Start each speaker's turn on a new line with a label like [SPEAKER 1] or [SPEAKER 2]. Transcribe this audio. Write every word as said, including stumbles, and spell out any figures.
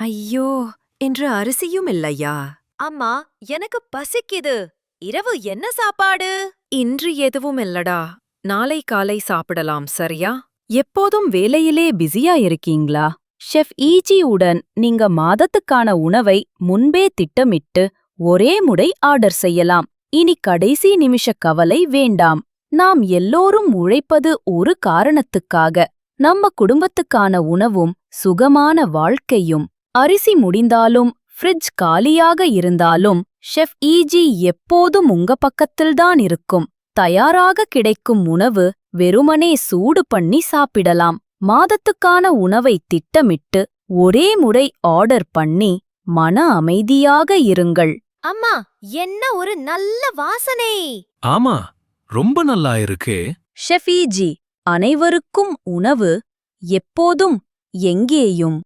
[SPEAKER 1] ஐயோ, இன்று அரிசியும் இல்லையா?
[SPEAKER 2] அம்மா, எனக்கு பசிக்குது. இரவு என்ன சாப்பாடு?
[SPEAKER 1] இன்று எதுவும் இல்லடா. நாளை காலை சாப்பிடலாம், சரியா? எப்போதும் வேலையிலே பிஸியா இருக்கீங்களா? ஷெஃப் ஈஜி உடன் நீங்க மாதத்துக்கான உணவை முன்பே திட்டமிட்டு ஒரே முறை ஆர்டர் செய்யலாம். இனி கடைசி நிமிஷ கவலை வேண்டாம். நாம் எல்லோரும் உழைப்பது ஒரு காரணத்துக்காக. நம்ம குடும்பத்துக்கான உணவும் சுகமான வாழ்க்கையும். அரிசி முடிந்தாலும் ஃப்ரிட்ஜ் காலியாக இருந்தாலும் ஷெஃப் ஈஜி எப்போதும் உங்க பக்கத்தில்தான் இருக்கும். தயாராக கிடைக்கும் உணவு வெறுமனே சூடு பண்ணி சாப்பிடலாம். மாதத்துக்கான உணவை திட்டமிட்டு ஒரே முறை ஆர்டர் பண்ணி மன அமைதியாக இருங்கள்.
[SPEAKER 2] அம்மா, என்ன ஒரு நல்ல வாசனை!
[SPEAKER 3] ஆமா, ரொம்ப நல்லா இருக்கே.
[SPEAKER 1] ஷெஃப் ஈஜி, அனைவருக்கும் உணவு எப்போதும் எங்கேயும்